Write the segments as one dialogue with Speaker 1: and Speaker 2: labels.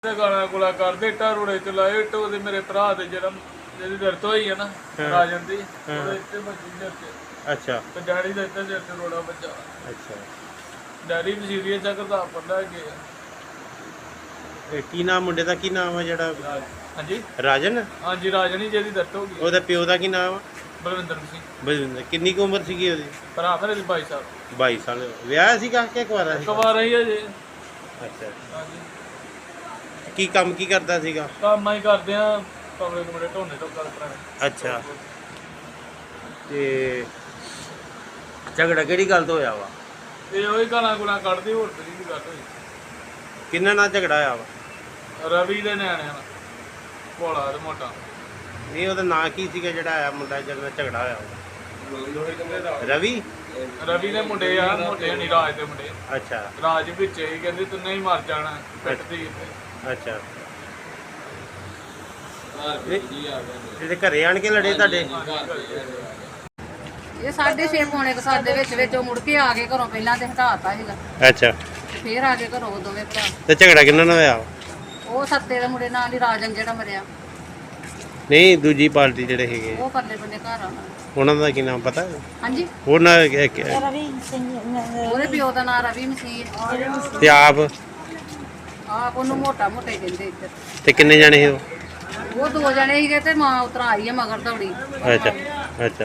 Speaker 1: ਗਾਲਾਂ ਗੁਲਾ ਕਰਦੇ ਇੱਟਾਂ ਰੋੜੇ ਚ ਲਾਏ ਇੱਟ ਉਹਦੇ ਮੇਰੇ ਭਰਾ ਦੇ ਜਿਹਦੀ ਦਰਦ ਹੋਈ ਹੈ ਨਾ ਰਾਜਨ ਦੀ ਉਹਦੇ ਇੱਥੇ ਵੱਜੀ ਸਿਰ ਤੇ।
Speaker 2: ਅੱਛਾ
Speaker 1: ਤੇ ਡੈਡੀ ਦਾ ਇੱਥੇ ਸਿਰ ਤੇ ਰੋੜਾ ਵੱਜਾ।
Speaker 2: ਅੱਛਾ
Speaker 1: ਡੈਡੀ ਵਜ਼ੀਰੀਆ ਚੱਕਰ ਦਾ ਪੜਦਾ ਗਏ।
Speaker 2: ਇਹ ਕੀ ਨਾਮ ਮੁੰਡੇ ਦਾ ਕੀ ਨਾਮ ਆ ਜਿਹੜਾ
Speaker 1: ਹਾਂਜੀ
Speaker 2: ਰਾਜਨ?
Speaker 1: ਹਾਂਜੀ ਰਾਜਨ ਹੀ ਜਿਹਦੀ ਦਰਦ ਹੋ ਗਈ।
Speaker 2: ਉਹਦਾ ਪਿਓ ਦਾ ਕੀ ਨਾਮ ਆ?
Speaker 1: ਬਲਵਿੰਦਰ ਸਿੰਘ।
Speaker 2: ਬਲਵਿੰਦਰ। ਕਿੰਨੀ ਕੁ ਉਮਰ ਸੀਗੀ ਉਹਦੀ?
Speaker 1: ਭਰਾ ਮੇਰੇ ਦੇ 22 ਸਾਲ।
Speaker 2: 22 ਸਾਲ। ਵਿਆਹ ਸੀਗਾ ਕਿ ਕੁਆਰਾ ਸੀ?
Speaker 1: ਕੁਵਾਰਾ ਹੀ ਹੈ ਜੀ।
Speaker 2: ਅੱਛਾ
Speaker 1: ਹਾਂਜੀ
Speaker 2: ਕੀ ਕੰਮ ਕੀ ਕਰਦਾ ਸੀਗਾ?
Speaker 1: ਕੰਮ ਹੀ ਕਰਦੇ ਆ ਕਮਰੇ ਕੁਮਰੇ ਢੋਣੇ ਤੋਂ ਗੱਲ ਕਰਾਂਗੇ।
Speaker 2: ਅੱਛਾ ਤੇ ਝਗੜਾ ਕਿਹੜੀ ਗੱਲ ਤੋਂ ਹੋਇਆ ਵਾ?
Speaker 1: ਇਹ ਉਹੀ ਗਾਲਾਂ ਗੁਲਾ ਕੱਢਦੀ ਹੋਰ ਤੇਰੀ ਦੀ ਗੱਲ ਹੋਈ।
Speaker 2: ਕਿੰਨਾ ਨਾਲ ਝਗੜਾ ਹੋਇਆ ਵਾ?
Speaker 1: ਰਵੀ ਦੇ ਨਿਆਣਿਆਂ ਨਾਲ ਭੋਲਾ ਤੇ ਮੋਟਾ।
Speaker 2: ਨਹੀਂ ਉਹਦਾ ਨਾਂ ਕੀ ਸੀਗਾ ਜਿਹੜਾ ਆਇਆ ਮੁੰਡਾ ਜਿਹਦੇ ਨਾਲ ਝਗੜਾ ਹੋਇਆ ਵਾ? ਰਵੀ?
Speaker 1: ਰਵੀ ਦੇ ਮੁੰਡੇ ਆ ਮੋਟੇ ਨਹੀਂ ਰਾਜ ਦੇ ਮੁੰਡੇ।
Speaker 2: ਅੱਛਾ
Speaker 1: ਰਾਜ ਵਿੱਚ ਹੀ ਕਹਿੰਦੇ ਤੂੰ ਨਹੀਂ ਮਰ ਜਾਣਾ ਪਿੱਟਦੀ।
Speaker 2: ਅੱਛਾ ਜਿਹੜੇ ਘਰੇ ਆਣ ਕੇ ਲੜੇ ਤੁਹਾਡੇ?
Speaker 3: ਇਹ 6:30 ਪੌਣੇ 7 ਦੇ ਵਿੱਚ ਉਹ ਮੁੜ ਕੇ ਆ ਗਏ ਘਰੋਂ। ਪਹਿਲਾਂ ਤੇ ਹਟਾਤਾ ਸੀਗਾ,
Speaker 2: ਅੱਛਾ
Speaker 3: ਫੇਰ ਆ ਗਏ ਘਰੋਂ ਦੋਵੇਂ ਭਰਾ।
Speaker 2: ਤੇ ਝਗੜਾ ਕਿੰਨਾ ਨਾਲ ਹੋਇਆ?
Speaker 3: ਉਹ ਸੱਤੇ ਦੇ ਮੁੰਡੇ ਨਾਲ ਹੀ ਰਾਜਨ ਜਿਹੜਾ ਮਰਿਆ,
Speaker 2: ਨਹੀਂ ਦੂਜੀ ਪਾਰਟੀ ਜਿਹੜੇ ਹੈਗੇ
Speaker 3: ਉਹ ਪਰਲੇ ਬੰਨੇ ਘਰ ਆਉਣਾ।
Speaker 2: ਉਹਨਾਂ ਦਾ ਕੀ ਨਾਮ ਪਤਾ?
Speaker 3: ਹਾਂਜੀ
Speaker 2: ਉਹਨਾਂ
Speaker 3: ਰਵੀ ਸਿੰਘ, ਉਹਦੇ ਪਿਓ ਦਾ ਨਾਂ ਰਵੀ ਮਸੀਹ।
Speaker 2: ਤੇ ਆਪ
Speaker 3: ਉਹਨੂੰ ਮੋਟਾ ਮੋਟੇ ਕਹਿੰਦੇ ਇੱਧਰ।
Speaker 2: ਤੇ ਕਿੰਨੇ ਜਾਣੇ ਸੀ ਉਹ?
Speaker 3: ਉਹ 2 ਜਣੇ ਸੀਗੇ ਤੇ ਮਾਂ ਉਤਰਾ ਆਈ ਹੈ ਮਗਰ ਦੌੜੀ।
Speaker 2: ਅੱਛਾ ਅੱਛਾ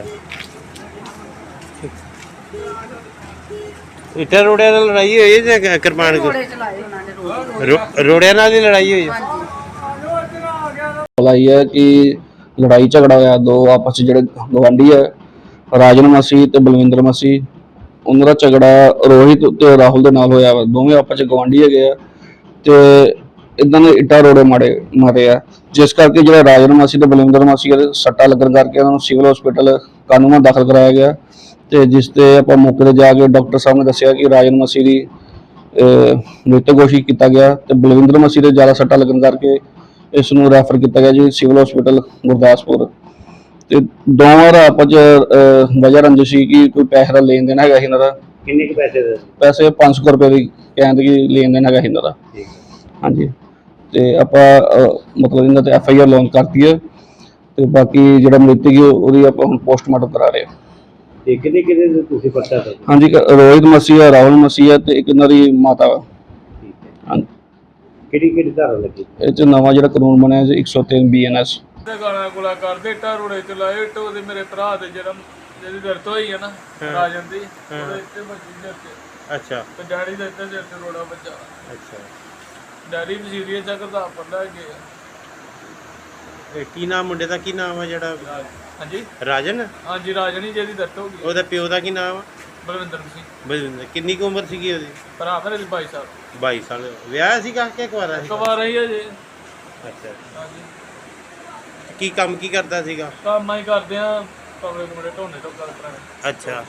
Speaker 2: ਇੱਟਾਂ ਰੋੜਿਆਂ ਨਾਲ ਲੜਾਈ ਹੋਈ ਹੈ ਜਾਂ ਕਿਰਪਾਨ
Speaker 3: ਘੋੜੇ ਚਲਾਏ ਉਹਨਾਂ ਨੇ ਰੋਜ਼।
Speaker 2: ਰੋੜਿਆਂ ਨਾਲ ਹੀ ਲੜਾਈ ਹੋਈ ਹੈ?
Speaker 3: ਹਾਂਜੀ
Speaker 4: ਆਈ ਹੈ ਕਿ ਲੜਾਈ ਝਗੜਾ ਹੋਇਆ ਦੋ ਆਪਸ ਜਿਹੜੇ ਗਵਾਂਢੀ ਹੈ, ਰਾਜਨ ਮਸੀਹ ਤੇ ਬਲਵਿੰਦਰ ਮਸੀਹ। ਉਹਨਾਂ ਦਾ ਝਗੜਾ ਰੋਹਿਤ ਤੇ ਰਾਹੁਲ ਦੇ ਨਾਲ ਹੋਇਆ ਵਾ। ਦੋਵੇਂ ਆਪਸ ਚ ਗਵਾਂਢੀ ਹੈਗੇ ਆ ਤੇ ਇਦਾਂ ਦੇ ਇੱਟਾਂ ਰੋੜੇ ਮਾਰੇ ਆ, ਜਿਸ ਕਰਕੇ ਜਿਹੜਾ ਰਾਜਨ ਮਸੀਹ ਤੇ ਬਲਵਿੰਦਰ ਮਸੀਹ ਦੇ ਸੱਟਾਂ ਲੱਗਣ ਕਰਕੇ ਉਹਨਾਂ ਨੂੰ ਸਿਵਲ ਹਸਪੀਟਲ ਕਾਨੂੰਨਾਂ ਦਾਖਲ ਕਰਾਇਆ ਗਿਆ। ਤੇ ਜਿਸ ਤੇ ਆਪਾਂ ਮੌਕੇ ਤੇ ਜਾ ਕੇ ਡਾਕਟਰ ਸਾਹਿਬ ਨੇ ਦੱਸਿਆ ਕਿ ਰਾਜਨ ਮਸੀਹ ਦੀ ਮ੍ਰਿਤਕ ਘੋਸ਼ਿਤ ਕੀਤਾ ਗਿਆ ਤੇ ਬਲਵਿੰਦਰ ਮਸੀਹ ਦੇ ਜ਼ਿਆਦਾ ਸੱਟਾਂ ਲੱਗਣ ਕਰਕੇ ਇਸ ਨੂੰ ਰੈਫਰ ਕੀਤਾ ਗਿਆ ਜੀ ਸਿਵਲ ਹਸਪੀਟਲ ਗੁਰਦਾਸਪੁਰ। ਤੇ ਦੋਵਾਂ ਦਾ ਆਪਸ ਵਜ੍ਹਾ ਰੰਜਿਸ਼ ਸੀ ਕਿ ਕੋਈ ਪੈਸੇ ਦਾ ਲੈਣ ਦੇਣ ਹੈਗਾ ਸੀ ਇਹਨਾਂ ਦਾ।
Speaker 2: ਕਿੰਨੇ ਕੁ ਪੈਸੇ ਦੇ?
Speaker 4: ਪੈਸੇ 500 ਰੁਪਏ ਦੀ ਕਹਿੰਦੇ ਕਿ ਲੈਣ ਦੇਣ ਹੈਗਾ ਸੀ ਇਹਨਾਂ ਦਾ। ਹਾਂਜੀ ਤੇ ਆਪਾਂ ਮਤਲਬ ਇਹਨਾਂ ਤੇ FIR ਲਾਂਚ ਕਰਤੀ ਹੈ ਤੇ ਬਾਕੀ ਜਿਹੜਾ ਮ੍ਰਿਤਕ ਹੈ ਉਹਦੀ ਆਪਾਂ ਹੁਣ ਪੋਸਟਮਾਰਟਮ ਕਰਾ ਰਹੇ ਹਾਂ।
Speaker 2: ਤੇ ਕਿੰਨੇ ਕਿੰਨੇ ਤੁਸੀਂ ਪਤਾ ਕਰ?
Speaker 4: ਹਾਂਜੀ ਰੋਹਿਤ ਮਸੀਹ ਹੈ, ਰਾਹੁਲ ਮਸੀਹ ਹੈ ਤੇ ਇੱਕ ਇਹਨਾਂ ਦੀ ਮਾਤਾ ਵਾ। ਹਾਂਜੀ
Speaker 2: ਕਿਹੜੀ ਧਾਰਾ ਲੱਗੀ?
Speaker 4: ਇਹ 'ਚ ਨਵਾਂ ਜਿਹੜਾ ਕਾਨੂੰਨ ਬਣਿਆ ਜੀ 103 BNS।
Speaker 1: ਗਾਲਾਂ ਗੁਲਾ ਕਰਦੇ ਇੱਟਾਂ ਰੋੜੇ ਚ ਲਾਏ ਇੱਟ ਉਹਦੇ ਮੇਰੇ ਭਰਾ ਦੇ ਜਿਹਦੀ ਦਰਦ ਹੋਈ ਹੈ ਨਾ ਰਾਜਨ ਦੀ ਉਹਦੇ ਇੱਥੇ ਵੱਜੀ ਸਿਰ ਤੇ।
Speaker 2: ਅੱਛਾ
Speaker 1: ਤੇ ਡੈਡੀ ਦਾ ਇੱਥੇ ਸਿਰ ਤੇ ਰੋੜਾ ਵੱਜਾ।
Speaker 2: ਅੱਛਾ
Speaker 1: ਡੈਡੀ ਵਜ਼ੀਰੀਆ ਚੱਕਰ ਦਾ ਪੜਦਾ ਗਏ।
Speaker 2: ਇਹ ਕੀ ਨਾਮ ਮੁੰਡੇ ਦਾ ਕੀ ਨਾਮ ਆ ਜਿਹੜਾ
Speaker 1: ਹਾਂਜੀ
Speaker 2: ਰਾਜਨ?
Speaker 1: ਹਾਂਜੀ ਰਾਜਨ ਹੀ ਜਿਹਦੀ ਦਰਦ ਹੋ ਗਈ।
Speaker 2: ਉਹਦਾ ਪਿਓ ਦਾ ਕੀ ਨਾਮ ਆ?
Speaker 1: ਬਲਵਿੰਦਰ ਸਿੰਘ।
Speaker 2: ਬਲਵਿੰਦਰ। ਕਿੰਨੀ ਕੁ ਉਮਰ ਸੀਗੀ ਉਹਦੀ?
Speaker 1: ਭਰਾ ਮੇਰੇ ਦੇ 22 ਸਾਲ।
Speaker 2: 22 ਸਾਲ। ਵਿਆਹ ਸੀਗਾ ਕਿ ਕੁਆਰਾ ਸੀ?
Speaker 1: ਕੁਵਾਰਾ ਹੀ ਹੈ ਜੀ।
Speaker 2: ਅੱਛਾ
Speaker 1: ਹਾਂਜੀ
Speaker 2: ਕੀ ਕੰਮ ਕੀ ਕਰਦਾ ਸੀਗਾ?
Speaker 1: ਕੰਮ ਹੀ ਕਰਦੇ ਆ ਕਮਰੇ ਕੁਮਰੇ ਢੋਣੇ ਤੋਂ ਗੱਲ ਕਰਾਂਗੇ।
Speaker 2: ਅੱਛਾ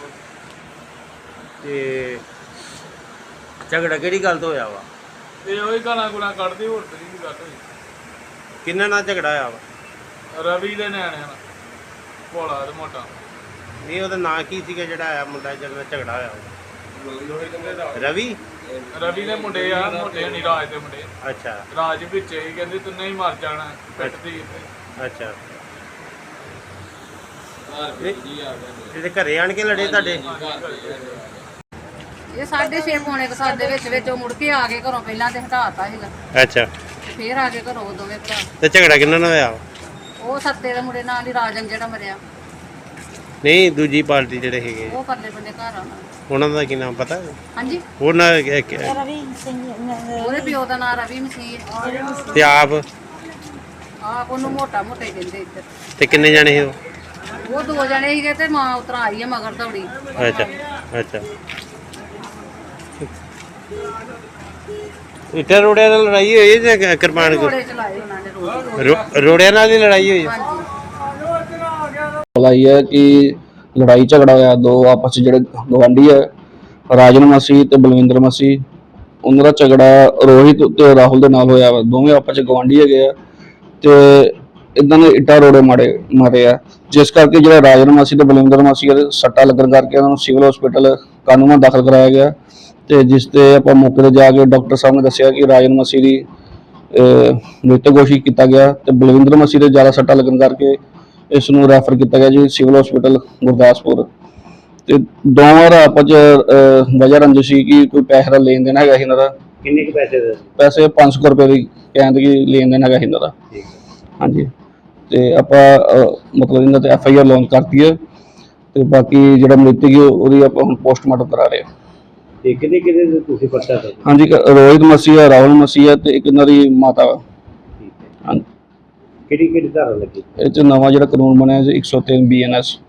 Speaker 2: ਤੇ ਝਗੜਾ ਕਿਹੜੀ ਗੱਲ ਤੋਂ ਹੋਇਆ ਵਾ?
Speaker 1: ਇਹ ਉਹੀ ਗਾਲਾਂ ਗੁਲਾ ਕੱਢਦੀ ਹੋਰ ਤੇਰੀ ਦੀ ਗੱਲ ਹੋਈ।
Speaker 2: ਕਿੰਨਾ ਨਾਲ ਝਗੜਾ ਹੋਇਆ ਵਾ?
Speaker 1: ਰਵੀ ਦੇ ਨਿਆਣਿਆਂ ਨਾਲ ਭੋਲਾ ਤੇ ਮੋਟਾ।
Speaker 2: ਨਹੀਂ ਉਹਦਾ ਨਾਂ ਕੀ ਸੀਗਾ ਜਿਹੜਾ ਆਇਆ ਮੁੰਡਾ ਜਿਹਦੇ ਨਾਲ ਝਗੜਾ ਹੋਇਆ ਵਾ? ਰਵੀ?
Speaker 1: ਰਵੀ ਦੇ ਮੁੰਡੇ ਆ ਮੋਟੇ ਨਹੀਂ ਰਾਜ ਦੇ ਮੁੰਡੇ।
Speaker 2: ਅੱਛਾ
Speaker 1: ਰਾਜ ਵਿੱਚ ਹੀ ਕਹਿੰਦੇ ਤੂੰ ਨਹੀਂ ਮਰ ਜਾਣਾ ਪਿੱਟਦੀ।
Speaker 2: ਅੱਛਾ ਜਿਹੜੇ ਘਰੇ ਆਣ ਕੇ ਲੜੇ ਤੁਹਾਡੇ?
Speaker 3: ਇਹ 6:30 ਪੌਣੇ 7 ਦੇ ਵਿੱਚ ਉਹ ਮੁੜ ਕੇ ਆ ਗਏ ਘਰੋਂ। ਪਹਿਲਾਂ ਤੇ ਹਟਾਤਾ ਸੀਗਾ,
Speaker 2: ਅੱਛਾ
Speaker 3: ਫੇਰ ਆ ਗਏ ਘਰੋਂ ਦੋਵੇਂ ਭਰਾ।
Speaker 2: ਤੇ ਝਗੜਾ ਕਿੰਨਾ ਨਾਲ ਹੋਇਆ?
Speaker 3: ਉਹ ਸੱਤੇ ਦੇ ਮੁੰਡੇ ਨਾਲ ਹੀ ਰਾਜਨ ਜਿਹੜਾ ਮਰਿਆ,
Speaker 2: ਨਹੀਂ ਦੂਜੀ ਪਾਰਟੀ ਜਿਹੜੇ ਹੈਗੇ
Speaker 3: ਉਹ ਪਰਲੇ ਬੰਨੇ ਘਰ ਆਉਣਾ।
Speaker 2: ਉਹਨਾਂ ਦਾ ਕੀ ਨਾਮ ਪਤਾ?
Speaker 3: ਹਾਂਜੀ
Speaker 2: ਉਹਨਾਂ
Speaker 3: ਰਵੀ ਸਿੰਘ, ਉਹਦੇ ਪਿਓ ਦਾ ਨਾਂ ਰਵੀ ਮਸੀਹ।
Speaker 2: ਤੇ ਆਪ
Speaker 3: ਉਹਨੂੰ ਮੋਟਾ ਮੋਟੇ ਕਹਿੰਦੇ ਇੱਧਰ।
Speaker 2: ਤੇ ਕਿੰਨੇ ਜਾਣੇ ਸੀ ਉਹ?
Speaker 3: ਉਹ 2 ਜਣੇ ਸੀਗੇ ਤੇ ਮਾਂ ਉਤਰਾ ਆਈ ਹੈ ਮਗਰ ਦੌੜੀ।
Speaker 2: ਅੱਛਾ ਅੱਛਾ ਇੱਟਾਂ ਰੋੜਿਆਂ ਨਾਲ ਲੜਾਈ ਹੋਈ ਹੈ ਜਾਂ ਕਿਰਪਾਨ?
Speaker 3: ਘੋੜੇ ਚਲਾਏ ਉਹਨਾਂ ਨੇ ਰੋਜ਼।
Speaker 2: ਰੋੜਿਆਂ ਨਾਲ ਹੀ ਲੜਾਈ ਹੋਈ ਹੈ?
Speaker 3: ਹਾਂਜੀ
Speaker 4: ਆਈ ਹੈ ਕਿ ਲੜਾਈ ਝਗੜਾ ਹੋਇਆ ਦੋ ਆਪਸ ਚ ਜਿਹੜੇ ਗਵਾਂਢੀ ਹੈ, ਰਾਜਨ ਮਸੀਹ ਤੇ ਬਲਵਿੰਦਰ ਮਸੀਹ। ਉਹਨਾਂ ਦਾ ਝਗੜਾ ਰੋਹਿਤ ਤੇ ਰਾਹੁਲ ਦੇ ਨਾਲ ਹੋਇਆ ਵਾ। ਦੋਵੇਂ ਆਪਸ ਚ ਗਵਾਂਢੀ ਹੈਗੇ ਆ ਤੇ ਇਦਾਂ ਦੇ ਇੱਟਾਂ ਰੋੜੇ ਮਾਰੇ ਆ, ਜਿਸ ਕਰਕੇ ਜਿਹੜਾ ਰਾਜਨ ਮਸੀਹ ਤੇ ਬਲਵਿੰਦਰ ਮਸੀਹ ਦੇ ਸੱਟਾਂ ਲੱਗਣ ਕਰਕੇ ਉਹਨਾਂ ਨੂੰ ਸਿਵਲ ਹਸਪੀਟਲ ਕਾਨੂੰਨਾਂ ਦਾਖਲ ਕਰਾਇਆ ਗਿਆ। ਤੇ ਜਿਸ ਤੇ ਆਪਾਂ ਮੌਕੇ ਤੇ ਜਾ ਕੇ ਡਾਕਟਰ ਸਾਹਿਬ ਨੇ ਦੱਸਿਆ ਕਿ ਰਾਜਨ ਮਸੀਹ ਦੀ ਮ੍ਰਿਤਕ ਘੋਸ਼ਿਤ ਕੀਤਾ ਗਿਆ ਤੇ ਬਲਵਿੰਦਰ ਮਸੀਹ ਦੇ ਜ਼ਿਆਦਾ ਸੱਟਾਂ ਲੱਗਣ ਕਰਕੇ ਇਸ ਨੂੰ ਰੈਫਰ ਕੀਤਾ ਗਿਆ ਜੀ ਸਿਵਲ ਹਸਪੀਟਲ ਗੁਰਦਾਸਪੁਰ। ਤੇ ਦੋਵਾਂ ਦਾ ਆਪਸ 'ਚ ਵਜ੍ਹਾ ਰੰਜਿਸ਼ ਸੀ ਕਿ ਕੋਈ ਪੈਸੇ ਦਾ ਲੈਣ ਦੇਣ ਹੈਗਾ ਸੀ ਇਹਨਾਂ ਦਾ।
Speaker 2: ਕਿੰਨੇ ਕੁ ਪੈਸੇ ਦੇ?
Speaker 4: ਪੈਸੇ 500 ਰੁਪਏ ਦੀ ਕਹਿੰਦੇ ਕਿ ਲੈਣ ਦੇਣ ਹੈਗਾ ਸੀ ਇਹਨਾਂ ਦਾ। ਹਾਂਜੀ, ਤੇ ਆਪਾਂ ਮਤਲਬ ਇਹਨਾਂ ਤੇ FIR ਲਾਂਚ ਕਰਤੀ ਹੈ ਤੇ ਬਾਕੀ ਜਿਹੜਾ ਮ੍ਰਿਤਕ ਹੈ ਉਹਦੀ ਆਪਾਂ ਹੁਣ ਪੋਸਟਮਾਰਟਮ ਕਰਾ ਰਹੇ ਹਾਂ।
Speaker 2: ਤੇ ਕਿਹਦੇ ਕਿਹਦੇ ਤੁਸੀਂ ਪਰਚਾ ਦੇ?
Speaker 4: ਹਾਂਜੀ, ਇੱਕ ਰੋਹਿਤ ਮਸੀਹ ਹੈ, ਰਾਹੁਲ ਮਸੀਹ ਹੈ ਤੇ ਇੱਕ ਇਹਨਾਂ ਦੀ ਮਾਤਾ ਵਾ। ਹਾਂਜੀ,
Speaker 2: ਕਿਹੜੀ ਕਿਹੜੀ ਧਾਰਾ ਲੱਗੀ?
Speaker 4: ਇਹ 'ਚ ਨਵਾਂ ਜਿਹੜਾ ਕਾਨੂੰਨ ਬਣਿਆ ਜੀ 103 BNS